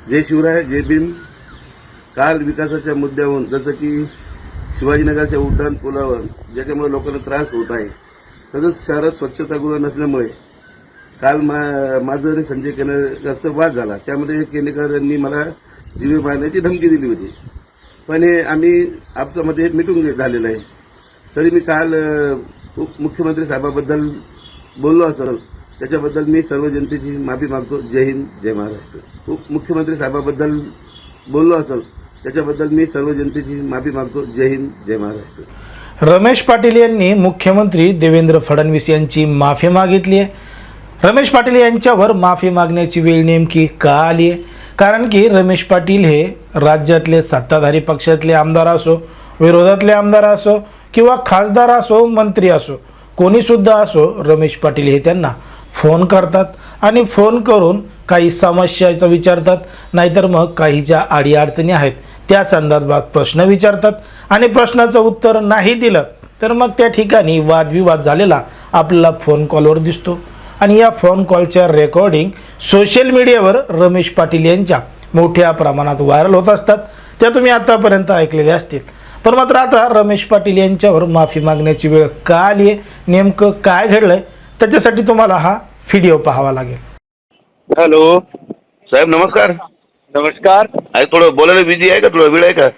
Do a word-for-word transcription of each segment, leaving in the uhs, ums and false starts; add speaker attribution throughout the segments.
Speaker 1: जय शिवराय जय भीम। काल विकासाच्या मुद्द्यावरून जसं की शिवाजीनगरच्या उड्डाण पुलावर ज्याच्यामुळे लोकांना त्रास होत आहे, तसंच शहरात स्वच्छतागृह नसल्यामुळे काल मा माझं आणि संजय केनेकरचा वाद झाला। त्यामध्ये केनेकर यांनी मला जीवे मारण्याची धमकी दिली होती, पण हे आम्ही आपसामध्ये मिटून झालेलं आहे। तरी मी काल मुख्यमंत्री साहेबाबद्दल बोललो असेल त्याच्याबद्दल मी सर्व जनतेची माफी मागतो। जय हिंद जय महाराष्ट्र। मुख्यमंत्री साहेबाबद्दल बोललो असेल त्याच्याबद्दल मी सर्व जनतेची माफी मागतो। जय हिंद जय महाराष्ट्र।
Speaker 2: रमेश पाटील यांनी मुख्यमंत्री देवेंद्र फडणवीस यांची माफी मागितली आहे। रमेश पाटील यांच्यावर माफी मागण्याची वेळ नेमकी का आली आहे? कारण की रमेश पाटील हे राज्यातले सत्ताधारी पक्षातले आमदार असो, विरोधातले आमदार असो किंवा खासदार असो, मंत्री असो, कोणी सुद्धा असो, रमेश पाटील हे त्यांना फोन करतात आणि फोन करून काही समस्याचं विचारतात, नाहीतर मग काही ज्या अडीअडचणी आहेत त्या संदर्भात प्रश्न विचारतात आणि प्रश्नाचं उत्तर नाही दिलं तर मग त्या ठिकाणी वादविवाद झालेला आपल्याला फोन कॉलवर दिसतो। आणि या फोन कॉलच्या रेकॉर्डिंग सोशल मीडियावर रमेश पाटील यांच्या मोठ्या प्रमाणात व्हायरल होत असतात, त्या तुम्ही आतापर्यंत ऐकलेल्या असतील। पण मात्र आता रमेश पाटील यांच्यावर माफी मागण्याची वेळ का आली आहे, नेमकं काय घडलंय, त्याच्यासाठी तुम्हाला हा व्हिडिओ पाहावा लागेल।
Speaker 3: हॅलो
Speaker 1: साहेब नमस्कार।
Speaker 3: नमस्कार।
Speaker 1: आहे थोडं बोलायला बिझी आहे का? थोडा वेळ आहे का?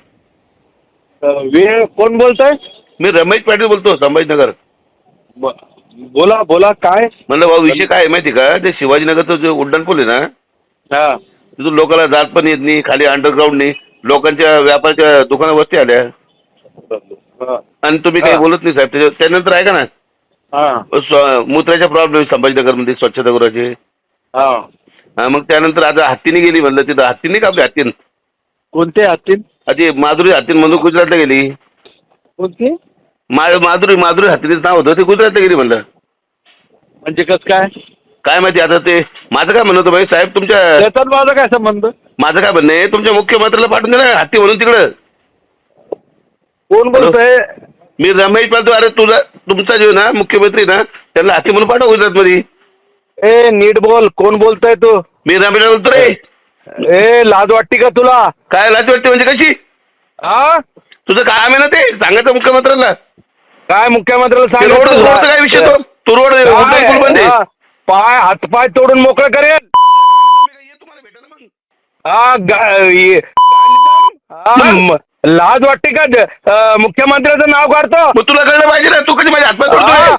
Speaker 3: वेळ कोण बोलतोय?
Speaker 1: मी रमेश पाटील बोलतो, संभाजीनगर।
Speaker 3: ब- बोला बोला काय
Speaker 1: म्हणलं भाऊ विषय काय आहे माहिती का? ते शिवाजीनगरचं जे उड्डाण पूल आहे ना,
Speaker 3: हा
Speaker 1: तिथून लोकांना जात पण येत नाही, खाली अंडरग्राऊंडनी लोकांच्या व्यापाराच्या दुकाना वस्ती आल्या
Speaker 3: हा.
Speaker 1: आणि तुम्ही काही
Speaker 3: हा.
Speaker 1: बोलत नाही साहेब। त्याच्या त्यानंतर आहे का ना
Speaker 3: हा
Speaker 1: स्व- मूत्राच्या प्रॉब्लेम संभाजीनगरमध्ये स्वच्छतागृहाचे।
Speaker 3: हा
Speaker 1: हा, मग त्यानंतर आता हत्तीने गेली म्हणलं, तिथं हत्तीने का आपली हत्तीन
Speaker 3: कोणते हत्तीन?
Speaker 1: आधी माधुरी हत्तीन म्हणून गुजरातला गेली।
Speaker 3: कोणती?
Speaker 1: मा माधुरी माधुरी हत्तीनेच नाव होतं, ते गुजरातला गेली म्हणलं।
Speaker 3: म्हणजे कस काय
Speaker 1: काय माहिती आता ते माझं काय म्हणणं होतं भाई साहेब, तुमच्या
Speaker 3: त्याच्यात माझा काय संबंध?
Speaker 1: माझं काय म्हणणं आहे, तुमच्या मुख्यमंत्र्याला पाठवून दे ना हत्ती म्हणून तिकडं।
Speaker 3: कोण बोलतोय?
Speaker 1: मी रमेश पाटील। अरे तुझा तुमचा जो ना मुख्यमंत्री ना त्यांना हत्ती म्हणून पाठव गुजरातमध्ये।
Speaker 3: ए नीट बोल, कोण बोलतोय तू?
Speaker 1: मी रमेश बोलतो रे।
Speaker 3: ए लाज वाटते का तुला?
Speaker 1: काय लाज वाटते म्हणजे कशी?
Speaker 3: हा
Speaker 1: तुझं काय आहे ना ते सांगायचं मुख्यमंत्र्यांना।
Speaker 3: काय मुख्यमंत्र्याला
Speaker 1: ते रोड रोड काय विषय तो तू रोड उड्डाण पूल बंद आहे।
Speaker 3: काय? पाय हातपाय तोडून मोकळं करेल।
Speaker 1: तुम्हाला भेटायला मग
Speaker 3: हा गा- ये- हा, म- लाज वाटते का? ज- अं, मुख्यमंत्र्याचं नाव काढतो?
Speaker 1: मग तुला कळलं पाहिजे ना, तू कधी माझ्या हातपाय
Speaker 3: हा.
Speaker 1: तोडतोय?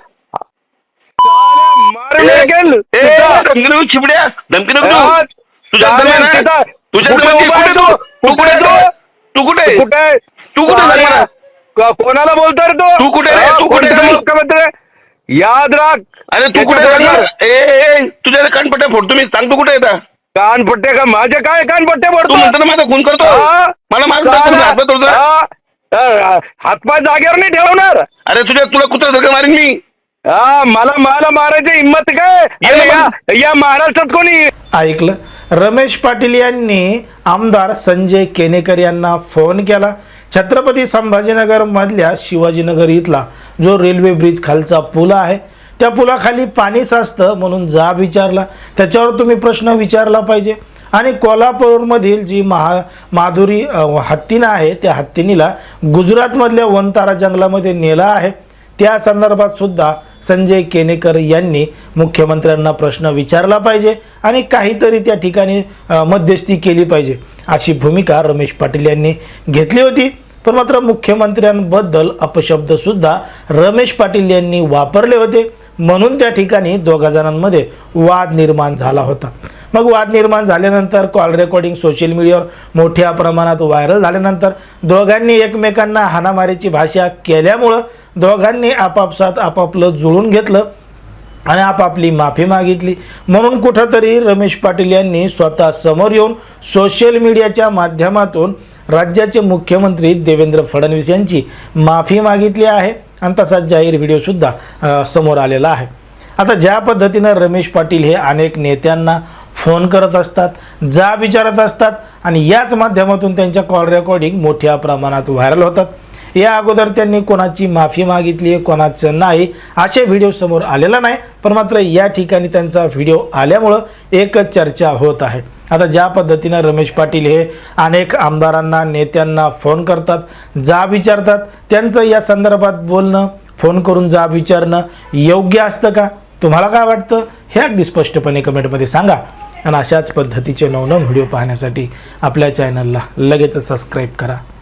Speaker 3: मारून टाकेल.
Speaker 1: ए,
Speaker 3: तिथं.
Speaker 1: धमकी नको चिबड्या, धमकी नको
Speaker 3: हा.
Speaker 1: देऊ। तुझ्या
Speaker 3: चालेल,
Speaker 1: जमिनी आहे.
Speaker 3: तिथं.
Speaker 1: तुझ्या
Speaker 3: कुठे
Speaker 1: जमिनी
Speaker 3: उभा
Speaker 1: कुठे
Speaker 3: आहे
Speaker 1: तू?
Speaker 3: तू?
Speaker 1: तू कुठे आहे
Speaker 3: कुठे
Speaker 1: तू? तू कुठे आहे?
Speaker 3: कुठे आहे?
Speaker 1: तू कुठे आहे?
Speaker 3: अरे,
Speaker 1: सांग मला.
Speaker 3: क- कोणाला बोलतोय रे तू?
Speaker 1: तू कुठे रे?
Speaker 3: हा,
Speaker 1: तू कुठे
Speaker 3: कोणता
Speaker 1: रे?
Speaker 3: मुख्यमंत्री? याद राख.
Speaker 1: अरे तू कुठे
Speaker 3: त्याच्या
Speaker 1: आहे?
Speaker 3: बरोबर.
Speaker 1: ए ए, ए, तुझ्या कानपट्ट्या फोडतो मी, सांग तू कुठे आहे?
Speaker 3: कानपट्टे का? माझे काय कानपट्टे
Speaker 1: तू
Speaker 3: पडतो?
Speaker 1: म्हणतो ना माझा खून करतो,
Speaker 3: हा?
Speaker 1: मला मारून
Speaker 3: चालेल.
Speaker 1: टाकतो, हातपाय तोडतो.
Speaker 3: हा. हा, हातपाय जागेवर नाही ठेवणार.
Speaker 1: अरे तुझ्या तुला कुत्रा धक्का मारीन मी।
Speaker 3: हा मला मला मारायची हिंमत काय?
Speaker 1: ये
Speaker 3: अरे,
Speaker 1: ना
Speaker 3: या या महाराष्ट्रात कोणी?
Speaker 2: ऐकलं, रमेश पाटील यांनी आमदार संजय केनेकर यांना फोन केला। छत्रपती संभाजीनगरमधल्या शिवाजीनगर इथला जो रेल्वे ब्रिज खालचा पूल आहे त्या पुलाखाली पाणी साचतं म्हणून जाब विचारला, त्याच्यावर तुम्ही प्रश्न विचारला पाहिजे। आणि कोल्हापूरमधील जी महा माधुरी हत्तीनं आहे त्या हत्तीनीला गुजरातमधल्या वनतारा जंगलामध्ये नेलं आहे, त्या संदर्भात सुद्धा संजय केनेकर यांनी मुख्यमंत्र्यांना प्रश्न विचारला पाहिजे आणि काहीतरी त्या ठिकाणी मध्यस्थी केली पाहिजे अशी भूमिका रमेश पाटील यांनी घेतली होती। पण मात्र मुख्यमंत्र्यांबद्दल अपशब्दसुद्धा रमेश पाटील यांनी वापरले होते, म्हणून त्या ठिकाणी दोघा जणांमध्ये वाद निर्माण झाला होता। मग वाद निर्माण झाल्यानंतर कॉल रेकॉर्डिंग सोशल मीडियावर मोठ्या प्रमाणात व्हायरल झाल्यानंतर दोघांनी एकमेकांना हाणामारीची भाषा केल्यामुळं दोघांनी आपापसात आपापलं जुळून घेतलं आणि आपापली माफी मागितली। म्हणून कुठंतरी रमेश पाटील यांनी स्वतः समोर येऊन सोशल मीडियाच्या माध्यमातून राज्याचे मुख्यमंत्री देवेंद्र फडणवीस यांची माफी मागितली आहे आणि तसाच जाहीर व्हिडिओसुद्धा समोर आलेला आहे। आता ज्या पद्धतीनं रमेश पाटील हे अनेक नेत्यांना फोन करत असतात, जा विचारत असतात आणि याच माध्यमातून त्यांच्या कॉल रेकॉर्डिंग मोठ्या प्रमाणात व्हायरल होतात। या अगोदर त्यांनी कोणाची माफी मागितली आहे, कोणाचं नाही, असे व्हिडिओ समोर आलेला नाही. पण मात्र या ठिकाणी त्यांचा व्हिडिओ आल्यामुळं एक चर्चा होत आहे. आता ज्या पद्धतीनं रमेश पाटील हे अनेक आमदारांना, नेत्यांना फोन करतात, जाब विचारतात, त्यांचं या संदर्भात बोलणं, फोन करून जाब विचारणं योग्य असतं का? तुम्हाला काय वाटतं हे अगदी स्पष्टपणे कमेंटमध्ये सांगा. आणि अशाच पद्धतीचे नवनवीन व्हिडिओ पाहण्यासाठी आपल्या चॅनलला लगेच सबस्क्राईब करा.